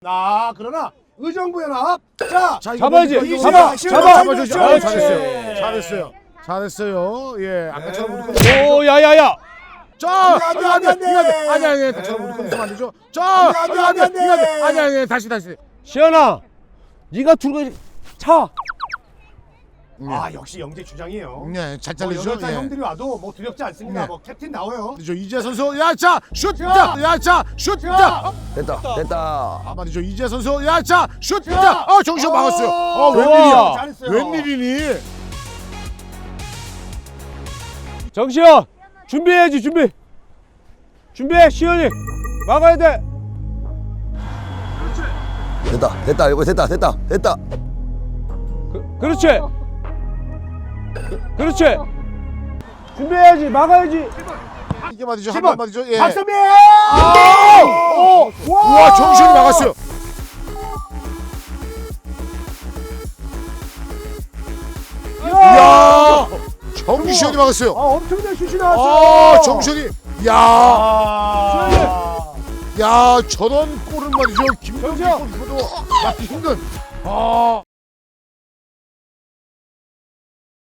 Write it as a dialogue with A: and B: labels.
A: 그러나 의정부연합 자
B: 잡아야지.
A: 잡아.
B: 잡아주죠.
A: 그렇지.
B: 잘했어요. 잘했어요. 예, 아까처럼 우리
A: 네.
B: 오, 야야야. 자,
A: 안 돼.
B: 아니, 아까처럼 우리 컨디션 안 되죠. 자,
A: 안 돼.
B: 아니, 다시.
C: 시연아, 네가 들고 차.
A: 역시 영재 주장이에요.
B: 네, 잘
A: 뭐
B: 잘리죠.
A: 8살 형들이 와도 뭐 두렵지 않습니다.
B: 네.
A: 뭐 캡틴 나와요.
B: 말이죠. 이재 선수, 야자, 슛!
A: 자.
B: 야자, 슛!
C: 됐다.
B: 말이죠. 이재 선수, 야자, 슛! 정신 막았어요.
A: 좋아. 잘했어요.
B: 웬일이니?
C: 정시현, 준비해야지. 준비해, 시연이. 막아야 돼.
D: 됐다 이거 됐다.
C: 그렇지. 그렇지. 준비해야지. 막아야지.
B: 이게 말이죠.
A: 10번.
B: 한번 말이죠. 예.
A: 박선민!
B: 우와, 정신이 막았어요. 이야, 정신이 막았어요.
A: 엄청난 슛이 나왔어요.
B: 정신이, 야, 저런 골은 말이죠. 김정재 골키퍼도 막기 힘든.